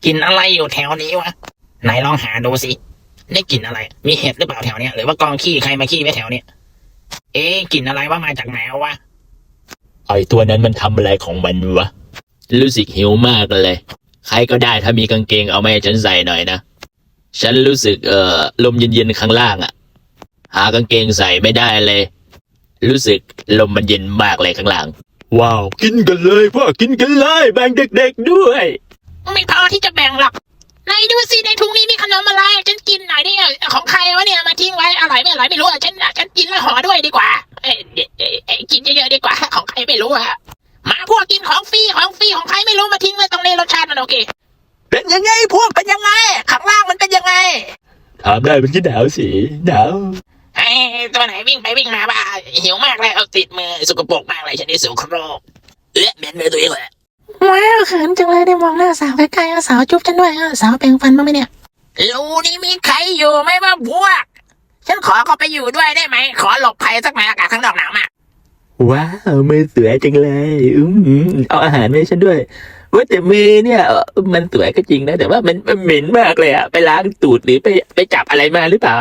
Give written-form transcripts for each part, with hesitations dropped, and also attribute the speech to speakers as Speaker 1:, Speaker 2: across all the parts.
Speaker 1: กลิ่นอะไรอยู่แถวนี้วะไหนลองหาดูสิได้กลิ่นอะไรมีเห็ดหรือเปล่าแถวเนี้ยหรือว่ากองขี้ใครมาขี้ไว้แถวเนี้ยกลิ่นอะไรว่ามาจากไหนวะ
Speaker 2: ไอตัวนั้นมันทำอะไรของมันวะรู้สึกหิวมากเลยใครก็ได้ถ้ามีกางเกงเอามาให้ฉันใส่หน่อยนะฉันรู้สึกลมเย็นๆข้างล่างอะหากางเกงใส่ไม่ได้เลยรู้สึกลมมันเย็นมากเลยข้างล่างว้าวกินกันเลยพ่อกินกันเลยแบ่งเด็กๆด้วย
Speaker 1: ไม่พอที่จะแบ่งหรอกไหนดูสิในถุงนี้มีขนมอะไรฉันกินหน่อยดิของใครวะเนี่ยมาทิ้งไว้อร่อยไม่อร่อยไม่รู้ฉันกินแล้วห่อด้วยดีกว่ากินเยอะๆดีกว่าของใครไม่รู้อะมาพวกกินของฟรีของใครไม่รู้มาทิ้งไว้ตรงนี้รสชาติมันโอเคเป็นยังไงพวกเป็นยังไงข้างล่างมันเป็นยังไง
Speaker 2: ถามได้มันก็หนาวสิหนาว
Speaker 1: ตัวไหนวิ่งไปวิ่งมาบ้าหิวมากเลยเอาติดมือสกปรกมากเลยฉันได้สูโครกเหม็นเลยตัวเองเลย
Speaker 3: ว้าวเขินจังเลยได้มองหน้าสาวใกล้ๆสาวจุ๊บฉันด้วยสาวแปรงฟันบ้างไหมเนี่ย
Speaker 1: รูนี่มีใครอยู่ไหมว่าพวกฉันขอเข้าไปอยู่ด้วยได้ไหมขอหลบภัยสักหน่อยอากาศข้างนอกหนาวมาก
Speaker 2: ว้าวมือสวยจังเลยเอาอาหารมาให้ฉันด้วยว่าแต่มือเนี่ยมันสวยก็จริงนะแต่ว่ามันเหม็นมากเลยอะไปล้างตูดหรือไปจับอะไรมาหรือเปล่า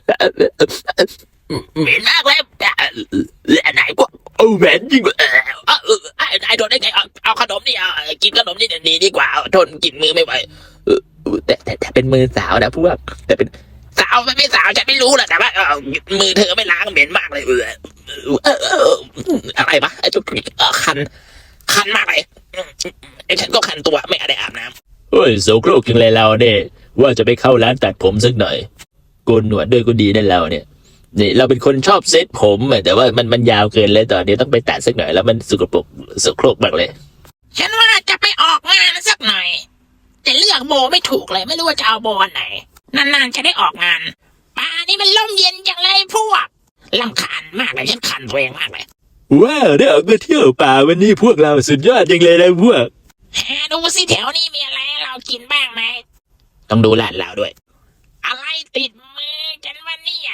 Speaker 1: เหม็นมากเลยไหนพวก
Speaker 2: เหม็นจริง
Speaker 1: ไอ้โดนได้ไงเอาขนมนี่กินขนมนี่ดีดีกว่าทนกินมือไม่ไหว
Speaker 2: แต่เป็นมือสาวนะพวกแต่เป็น
Speaker 1: สาวไม่สาวฉันไม่รู้แหละแต่ว่ามือเธอไม่ล้างเหม็นมากเลยอะไรปะไอ้จุกคันมากเลยฉันก็คันตัวไม่ได้อาบน้
Speaker 2: ำโอ้ยโสโครกจังเลยเราเนี่ยว่าจะไปเข้าร้านตัดผมสักหน่อยโกนหนวดด้วยก็ดีนั่นเราเนี่ยนี่เราเป็นคนชอบเซ็ตผมแต่ว่ามันยาวเกินเลยตอนนี้ต้องไปตัดสักหน่อยแล้วมันสกปรกโสโครกมากเลย
Speaker 1: ฉันว่าจะไปออกงานสักหน่อยจะเลือกโบไม่ถูกเลยไม่รู้ว่าจะเอาโบอันไหนนานๆจะได้ออกงานป่านี่มันลมเย็นจังเลยพวกรำคาญมากเลยฉันคันตัวเองมากเลย
Speaker 2: ว้าวได้ออกมาเที่ยวป่าวันนี้พวกเราสุดยอดจังเลยนะพวก
Speaker 1: ดูสิแถวนี้มีอะไรเรากินบ้างไหมต้องดูลาดเราด้วยอะไรติดมือฉันวันนี้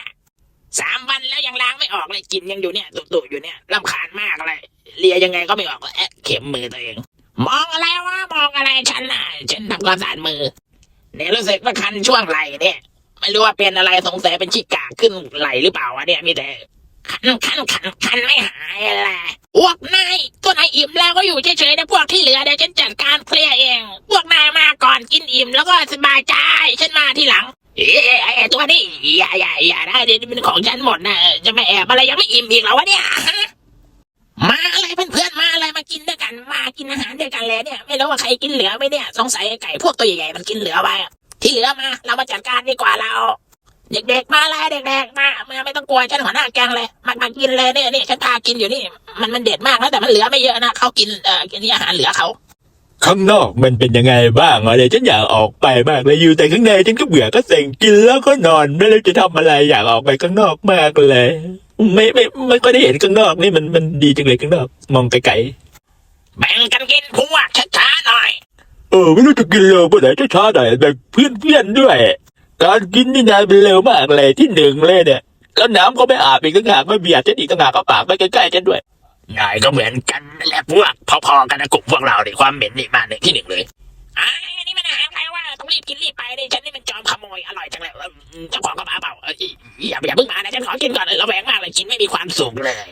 Speaker 1: 3 วันแล้วยังล้างไม่ออกเลยกินยังอยู่เนี่ยตุ่ๆอยู่เนี่ยรำคาญมากเลยเลียยังไงก็ไม่ออกเข็มมือตัวเองมองอะไรวะมองอะไรฉันทำความสะอาดมือเนี่ยรู้สึกว่าคันช่วงไหล่เนี่ยไม่รู้ว่าเป็นอะไรสงสัยเป็นขี้กากขึ้นไหล่หรือเปล่าวะเนี่ยมีแต่คันไม่หายอะไรพวกนายตัวนายอิ่มแล้วก็อยู่เฉยๆนะพวกที่เหลือเดี๋ยวฉันจัดการเคลียร์เองพวกนายมาก่อนกินอิ่มแล้วก็สบายใจฉันมาทีหลังตัวนี้อย่าได้เดี๋ยวเป็นของฉันหมดนะจะไม่แอบอะไรยังไม่อิ่มอีกแล้ววะเนี่ยมาอะไรเพื่อนๆมาอะไรมากินด้วยกันมากินอาหารด้วยกันเลยเนี่ยไม่รู้ว่าใครกินเหลือไหมเนี่ยสงสัยไก่พวกตัวใหญ่ๆมันกินเหลือไปที่เหลือมาเรามาจัดการดีกว่าเราเด็กๆมาเลยเด็กๆมาไม่ต้องกลัวฉันหัวหน้าแกงเลยมากินเลยเนี่ยฉันพากินอยู่นี่มันเด็ดมากนะแต่มันเหลือไม่เยอะนะเขากินกินอาหารเหลือเขา
Speaker 2: ข้างนอกมันเป็นยังไงบ้างเดี๋ยวฉันอยากออกไปมากเลยอยู่แต่ข้างในฉันก็เบื่อก็เซ็งกินแล้วก็นอนไม่รู้จะทำอะไรอยากออกไปข้างนอกมากเลยไม่ก็ได้เห็นข้างนอกนี่มันดีจังเลยข้างนอกมองไกล
Speaker 1: ๆแบ่งกันกินพวกช้าๆหน่อย
Speaker 2: ไม่รู้จะกินเร็วไปไหนช้าๆหน่อยแบ่งเพื่อนด้วยการกินนี่นายเป็นเร็วมากเลยที่1เลยเนี่ยแล้วน้ำก็ไม่อาบอีกต่างหากไม่เบียดฉันอีกต่างหากก็ปากไม่ใกล้ๆฉันด้วย
Speaker 1: นายก็เหมือนกันแหละพวกพอๆกันนะกลุ่มพวกเราเนี่ยความเหม็นนี่มาที่1เลยอันนี้มันอาหารใครว่าต้องรีบกินรีบไปดิฉันนี่มันจอมขโมยอร่อยจังเลยเจ้าของก็มาเปล่าอย่าเพิ่งมานะฉันขอกินก่อนระแวงมากเลยกินไม่มีความสุขเลย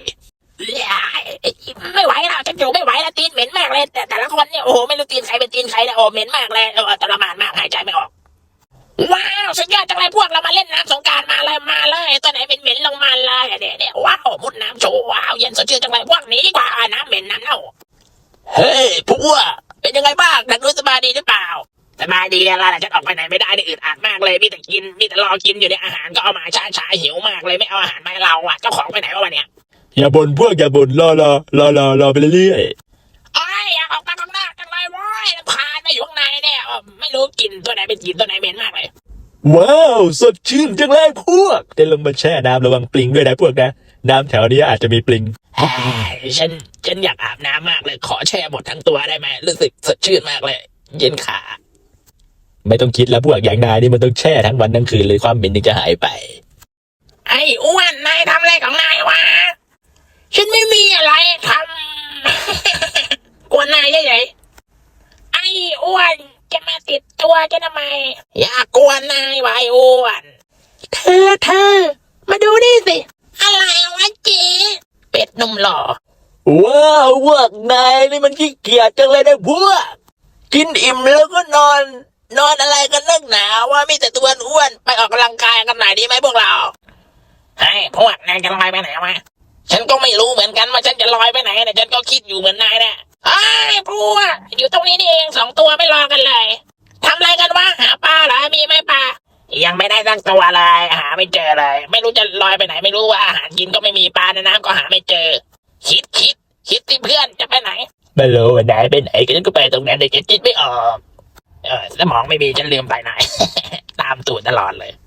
Speaker 1: ไม่ไหวแล้วฉันอยู่ไม่ไหวแล้วตีนเหม็นมากเลยแต่ละคนเนี่ยโอ้โหไม่รู้ตีนใครเป็นตีนใครนะโอ้เหม็นมากเลยทรมานมากหายใจไม่ออกว้าวสุดยอดจังเลยพวกเรามาเล่นน้ำสงกรานต์มาเลยตัวไหนเป็นเหม็นลงมาเลยเนี่ยว้าวมุดน้ำโชว์ว้าวเย็นสดชื่นจังเลยพวกนี้ดีกว่าน้ำเหม็นน้ำเน่าเฮ้ยพวกเป็นยังไงบ้างนักรู้สบายดีหรือเปล่าสบายดีอะไรล่ะฉันออกไปไหนไม่ได้นี่อึดอัดมากเลยมีแต่กินมีแต่รอกินอยู่ในอาหารก็เอามาช้าหิวมากเลยไม่เอาอาหารมาให้เราเจ้าของไปไหนวะเนี่ย
Speaker 2: อย่าบ่นพวกอย่าบ่นรอไปเรื่อย
Speaker 1: อยากออกมาข้างนอกจังเลยว้ายพาไม่อยู่ข้างในเนี่ยไม่รู้กินตัวไหนเป็นกินตัวไหนเหม็นมากเลย
Speaker 2: ว้าวสดชื่นจังเลยพวกจะลงมาแช่น้ำระวังปลิงด้วยนะพวกนะน้ำแถวนี้อาจจะมีปลิง
Speaker 1: ฉันอยากอาบน้ำมากเลยขอแช่หมดทั้งตัวได้ไหมรู้สึกสดชื่นมากเลยเย็นขา
Speaker 2: ไม่ต้องคิดแล้วพวกอย่างนายนี่มันต้องแช่ทั้งวันทั้งคืนเลยความเหม็นถึงจะหายไป
Speaker 1: ไอ้อ้วนนายทำอะไรของนายวะฉันไม่มีอะไรทำกวนนายใหญ่ไอ้อ้วนจะมาติดตัวจะทำไมอย่ากวนนายไว้อ้วนเธอมาดูนี่สิอะไรวะเจ๊เป็ดนุ่มหล่อ
Speaker 2: ว้าวพวกนายนี่มันขี้เกียจจังเลยนะพวกกินอิ่มแล้วก็นอน
Speaker 1: นอนอะไรกันนักหนาว่ามีแต่ตัวอ้วนไปออกกำลังกายกันหน่อยดีไหมพวกเราเฮ้ยพวกนายจะลอยไปไหนวะฉันก็ไม่รู้เหมือนกันว่าฉันจะลอยไปไหนเนี่ยฉันก็คิดอยู่เหมือนนายเนี่ยเฮ้ยพวกอยู่ตรงนี้นี่เอง2 ตัวไม่รอกันเลยทำอะไรกันวะหาปลาเหรอมีไหมปลายังไม่ได้สักตัวเลยหาไม่เจอเลย ไม่รู้จะลอยไปไหนไม่รู้ว่าอาหารกินก็ไม่มีปลาในน้ำก็หาไม่เจอคิดสิเพื่อนจะไปไหน
Speaker 2: ไม่รู้ว่าไหนไปไหนก็ฉันก็ไปตรงนั้นแต่ฉันคิดไม่ออก
Speaker 1: สมองไม่มีฉันลืมไปไหน ตามตูดตลอดเลย